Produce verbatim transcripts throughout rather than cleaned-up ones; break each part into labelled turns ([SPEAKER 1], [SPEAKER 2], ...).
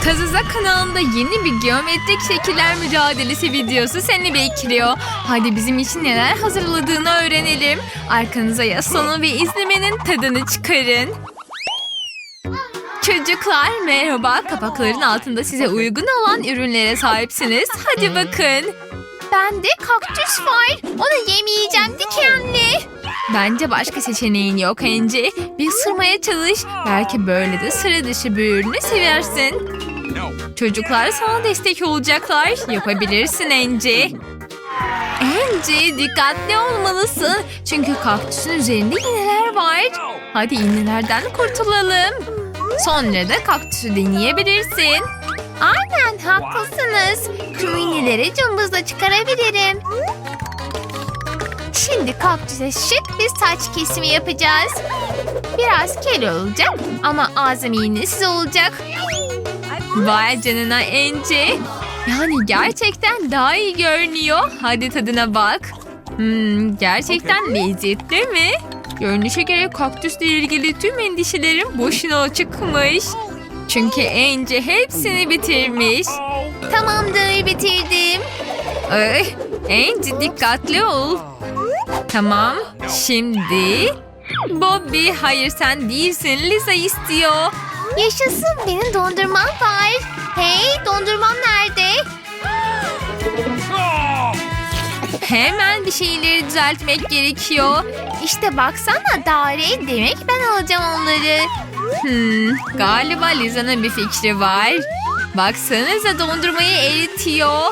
[SPEAKER 1] Kazuza kanalında yeni bir geometrik şekiller mücadelesi videosu seni bekliyor. Hadi bizim için neler hazırladığını öğrenelim. Arkanıza yaslanın ve izlemenin tadını çıkarın. Çocuklar merhaba. Kapakların altında size uygun olan ürünlere sahipsiniz. Hadi bakın. Bende kaktüs var. Onu yemeyeceğim dikenli. Bence başka seçeneğin yok Angie. Bir ısırmaya çalış. Belki böyle de sıra dışı bir ürünü seversin. Çocuklar sana destek olacaklar. Yapabilirsin Angie. Angie dikkatli olmalısın. Çünkü kaktüsün üzerinde iğneler var. Hadi iğnelerden kurtulalım. Sonra da kaktüsü deneyebilirsin. Aynen haklısınız. Tüm iğneleri cımbızla çıkarabilirim. Şimdi kaktüse şık bir saç kesimi yapacağız. Biraz kel olacak ama ağzım iğnesiz olacak. Vay canına Angie. Yani gerçekten daha iyi görünüyor. Hadi tadına bak. Hmm, gerçekten lezzetli mi? Görünüşe göre kaktüsle ilgili tüm endişelerim boşuna çıkmış. Çünkü Angie hepsini bitirmiş. Tamamdır, bitirdim. Ay, Angie dikkatli ol. Tamam, şimdi... Bobby, hayır sen değilsin. Lisa istiyor. Yaşasın, benim dondurmam var. Hey, dondurmam nerede? Hemen bir şeyleri düzeltmek gerekiyor. İşte baksana Dare, demek ben alacağım onları. Hmm, galiba Lisa'nın bir fikri var. Baksanıza dondurmayı eritiyor.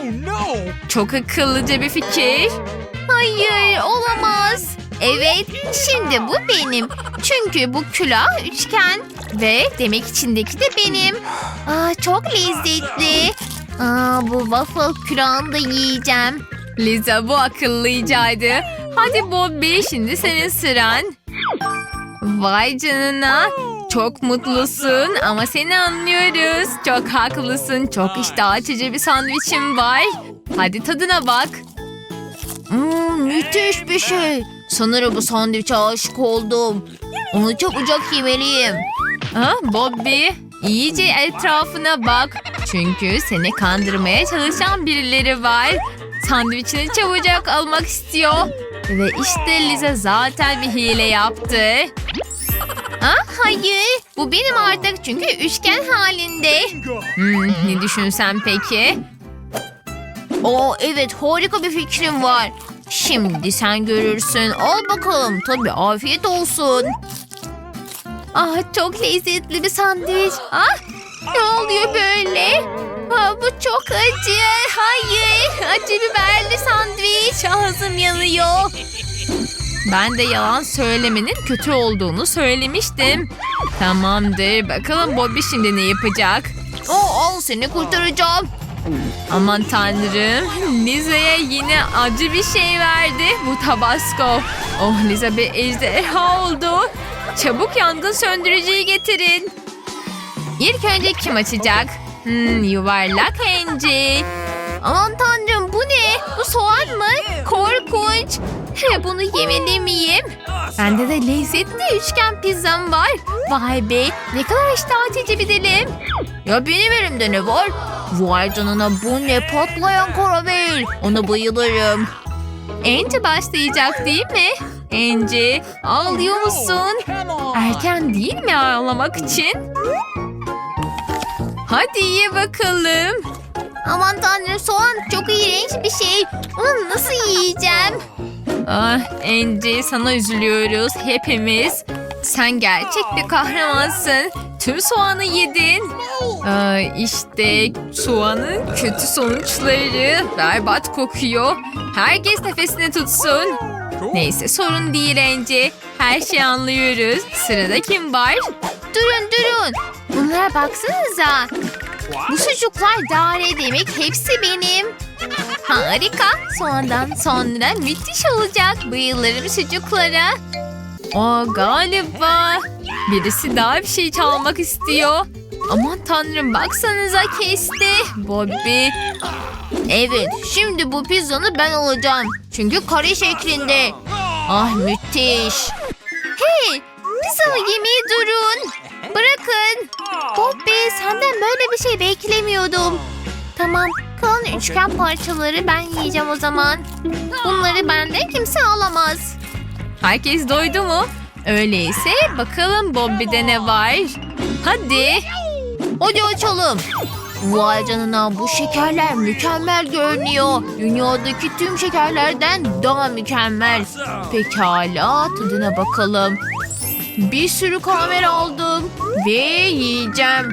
[SPEAKER 1] Çok akıllıca bir fikir. Hayır, olamaz. Evet, şimdi bu benim. Çünkü bu külah üçgen ve demek içindeki de benim. Aa, çok lezzetli. Aa, bu waffle külahını da yiyeceğim. Lisa, bu akıllıcaydı. Hadi Bobby, şimdi senin sıran. Vay canına. Çok mutlusun ama seni anlıyoruz. Çok haklısın. Çok iştah açıcı bir sandviçim var. Hadi tadına bak. Hmm, müthiş bir şey. Sanırım bu sandviçe aşık oldum. Onu çabucak yemeliyim. Ha, Bobby, iyice etrafına bak. Çünkü seni kandırmaya çalışan birileri var. Sandviçini çabucak almak istiyor. Ve işte Lisa zaten bir hile yaptı. Ah, hayır, bu benim artık çünkü üçgen halinde. Hmm, ne düşünsen peki? Oo, evet, harika bir fikrim var. Şimdi sen görürsün. Al bakalım. Tabii, afiyet olsun. Ah, çok lezzetli bir sandviç. Ah, ne oluyor böyle? Ah, bu çok acı. Hayır, acı biberli sandviç. Ağzım yanıyor. Ben de yalan söylemenin kötü olduğunu söylemiştim. Tamamdır. Bakalım Bobby şimdi ne yapacak? Oh, al seni kurtaracağım. Aman tanrım. Lisa'ya yine acı bir şey verdi. Bu Tabasco. Oh, Lisa bir ejderha oldu. Çabuk yangın söndürücüyü getirin. İlk önce kim açacak? Hmm, yuvarlak Angie. Aman tanrım, bu ne? Bu soğan mı? Korkunç. Bunu yemeli miyim? Bende de lezzetli üçgen pizzam var. Vay be, ne kadar iştah açıcı bir dilim. Ya benim elimde ne var? Vay canına, bu ne, patlayan karamel. Ona bayılırım. Angie başlayacak değil mi? Angie, ağlıyor musun? Erken değil mi ağlamak için? Hadi ye bakalım. Aman tanrım, soğan çok iğrenç bir şey. Onu nasıl yiyeceğim? Ah Angie, sana üzülüyoruz hepimiz. Sen gerçek bir kahramansın. Tüm soğanı yedin. Aa, işte soğanın kötü sonuçları. Berbat kokuyor. Herkes nefesini tutsun. Neyse, sorun değil Angie. Her şeyi anlıyoruz. Sırada kim var? Durun durun. Bunlara baksanıza. Bu sucuklar Dare demek, hepsi benim. Harika. Soğandan sonra müthiş olacak. Bayılırım sucuklara. Aa, galiba birisi daha bir şey çalmak istiyor. Aman tanrım, baksanıza kesti. Bobby. Evet, şimdi bu pizzanı ben alacağım. Çünkü kare şeklinde. Ah, müthiş. Hey, pizzamı yemeyi durun. Bırakın. Bobby, senden böyle bir şey beklemiyordum. Tamam, kalan üçgen parçaları ben yiyeceğim o zaman. Bunları benden kimse alamaz. Herkes doydu mu? Öyleyse bakalım Bobby'de ne var? Hadi. Hadi açalım. Vay canına, bu şekerler mükemmel görünüyor. Dünyadaki tüm şekerlerden daha mükemmel. Pekala, tadına bakalım. Bir sürü karamel aldım ve yiyeceğim.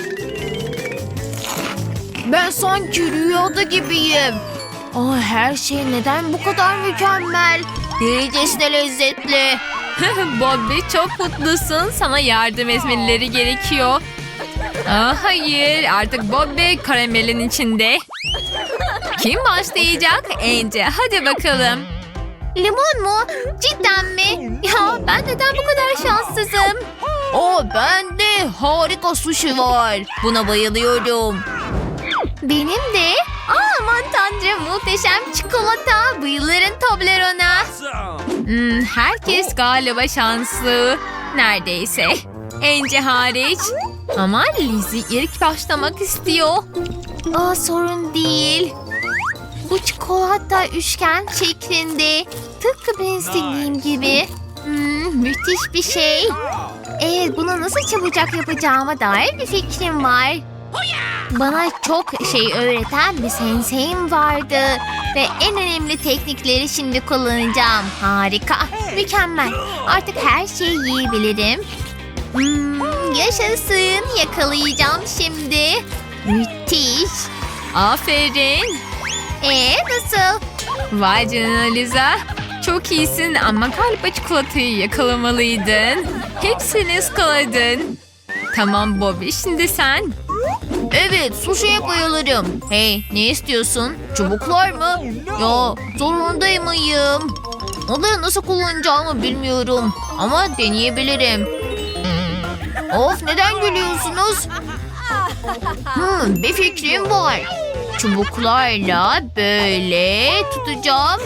[SPEAKER 1] Ben sanki rüyada gibiyim. Aa, her şey neden bu kadar mükemmel? Delicesine lezzetli. Bobby, çok mutlusun. Sana yardım etmeleri gerekiyor. Aa, hayır, artık Bobby karamelin içinde. Kim başlayacak? Ence, hadi bakalım. Limon mu? Cidden mi? Ya ben neden bu kadar şanssızım? O bende harika sushi var. Buna bayılıyorum. Benim de. Aa, aman tanrım, muhteşem çikolata. Bayılırım Toblerone'a. Hmm, herkes galiba şanslı. Neredeyse. Ence hariç. Ama Lizzie ilk başlamak istiyor. Aa, sorun değil. Bu çikolata üçgen şeklinde. Tıpkı benim istediğim gibi. Hmm, müthiş bir şey. Evet, bunu nasıl çabucak yapacağıma dair bir fikrim var. Bana çok şey öğreten bir sensei'm vardı. Ve en önemli teknikleri şimdi kullanacağım. Harika, mükemmel. Artık her şeyi yiyebilirim. Hmm, yaşasın, yakalayacağım şimdi. Müthiş. Aferin. Ee, nasıl? Vay canına Liza. Çok iyisin ama galiba çikolatayı yakalamalıydın. Hepsini ıskaladın. Tamam Bobby, şimdi sen. Evet, sushi'ye bayılırım. Hey, ne istiyorsun? Çubuklar mı? Ya, zorundayım mıyım? Onları nasıl kullanacağımı bilmiyorum. Ama deneyebilirim. Of, neden gülüyorsunuz? Hmm, bir fikrim var. Çubuklarla böyle tutacağım.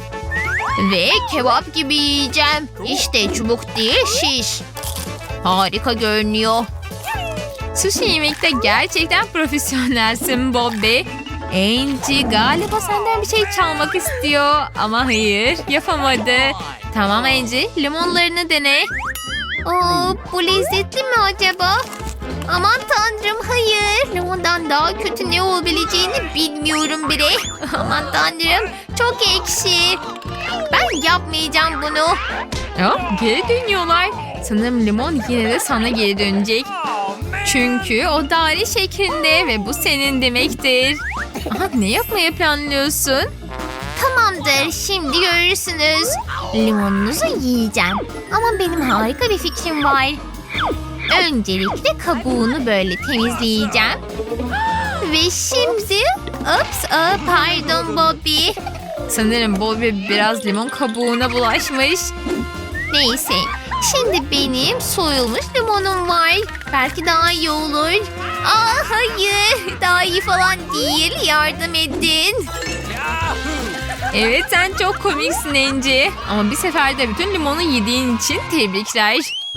[SPEAKER 1] Ve kebap gibi yiyeceğim. İşte çubuk değil, şiş. Harika görünüyor. Sushi yemekte gerçekten profesyonelsin Bobby. Angie galiba senden bir şey çalmak istiyor. Ama hayır, yapamadı. Tamam Angie, limonlarını dene. Oo, bu lezzetli mi acaba? Aman tanrım, hayır. Limondan daha kötü ne olabileceğini bilmiyorum bile. Aman tanrım, çok ekşi. Ben yapmayacağım bunu. Ya, geri dönüyorlar. Sanırım limon yine de sana geri dönecek. Çünkü o daire şeklinde ve bu senin demektir. Aha, ne yapmaya planlıyorsun? Tamamdır, şimdi görürsünüz. Limonunuzu yiyeceğim. Ama benim harika bir fikrim var. Öncelikle kabuğunu böyle temizleyeceğim. Ve şimdi... Ups, aa, pardon Bobby. Sanırım Bobby biraz limon kabuğuna bulaşmış. Neyse, şimdi benim soyulmuş limonum var. Belki daha iyi olur. Aa, hayır, daha iyi falan değil. Yardım edin. Evet, sen çok komiksin Angie. Ama bir seferde bütün limonu yediğin için tebrikler.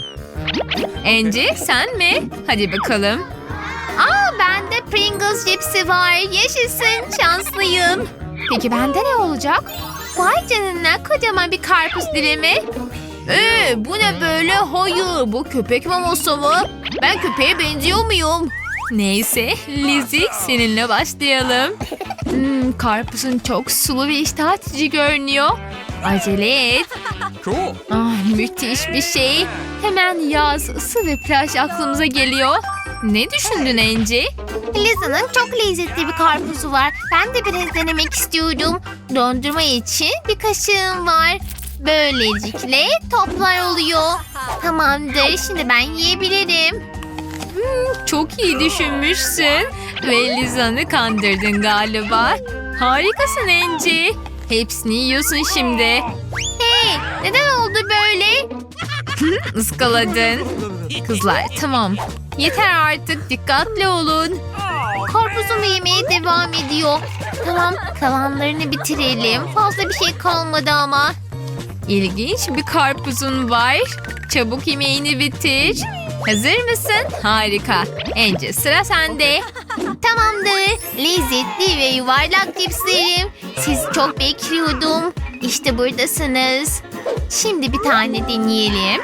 [SPEAKER 1] Angie, sen mi? Hadi bakalım. Aa, bende Pringles cipsi var. Yaşasın, şanslıyım. Peki bende ne olacak? Vay canına, kocaman bir karpuz dilimi. Ee, bu ne böyle? Hayır, bu köpek maması mı? Ben köpeğe benziyor muyum? Neyse, Lizzie, seninle başlayalım. Hmm, karpuzun çok sulu ve iştah açıcı görünüyor. Acele et. Ah, müthiş bir şey. Hemen yaz, ısı ve plaj aklımıza geliyor. Ne düşündün Angie? Liza'nın çok lezzetli bir karpuzu var. Ben de biraz denemek istiyorum. Dondurma için bir kaşığım var. Böylelikle toplar oluyor. Tamamdır, şimdi ben yiyebilirim. Hmm, çok iyi düşünmüşsün. Ve Liza'nı kandırdın galiba. Harikasın Angie. Hepsini yiyorsun şimdi. Hey, neden oldu böyle? Iskaladın. Kızlar, tamam. Yeter artık, dikkatli olun. Karpuzumu yemeye devam ediyor. Tamam, kalanlarını bitirelim. Fazla bir şey kalmadı ama. İlginç bir karpuzun var. Çabuk yemeğini bitir. Hazır mısın? Harika. Ence sıra sende.
[SPEAKER 2] Tamamdır. Lezzetli ve yuvarlak cipslerim. Sizi çok bekliyordum. İşte buradasınız. Şimdi bir tane deneyelim.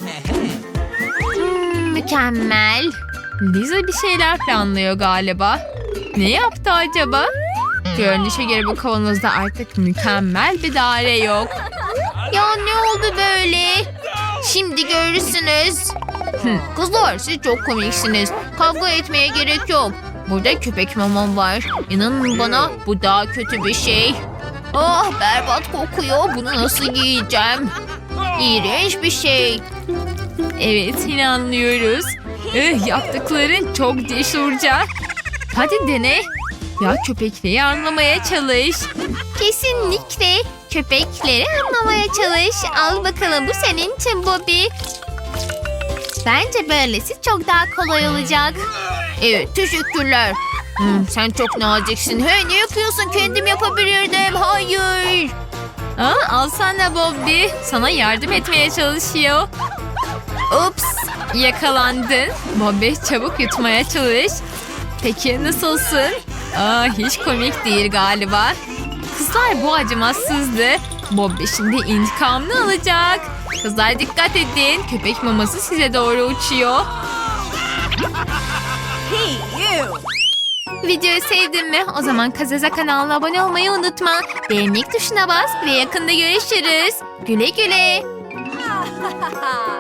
[SPEAKER 2] Hmm, mükemmel.
[SPEAKER 1] Liza bir şeyler planlıyor galiba. Ne yaptı acaba? Görünüşe göre bu kavanozda artık mükemmel bir daire yok.
[SPEAKER 2] Ya ne oldu böyle? Şimdi görürsünüz.
[SPEAKER 1] Hı, Kızlar siz çok komiksiniz. Kavga etmeye gerek yok. Burada köpek mamam var. İnanın bana bu daha kötü bir şey.
[SPEAKER 2] Ah berbat kokuyor. Bunu nasıl giyeceğim? İğrenç bir şey.
[SPEAKER 1] Evet inanlıyoruz. Eh, yaptıkların çok cesurca. Hadi dene. Ya köpekliği anlamaya çalış.
[SPEAKER 2] Kesinlikle. Köpekleri anlamaya çalış. Al bakalım bu senin için Bobby. Bence böylesi çok daha kolay olacak.
[SPEAKER 1] Evet teşekkürler. Hmm, sen çok naziksin. Hey ne yapıyorsun? Kendim yapabilirdim. Hayır. Aa, alsana Bobby. Sana yardım etmeye çalışıyor. Ups. Yakalandın. Bobby çabuk yutmaya çalış. Peki nasılsın? Aa, hiç komik değil galiba. Kızlar bu acımasızdı. Bobby şimdi intikamını alacak. Kızlar dikkat edin. Köpek maması size doğru uçuyor. Videoyu sevdin mi? O zaman Kazaza kanalına abone olmayı unutma. Beğenmek tuşuna bas ve yakında görüşürüz. Güle güle.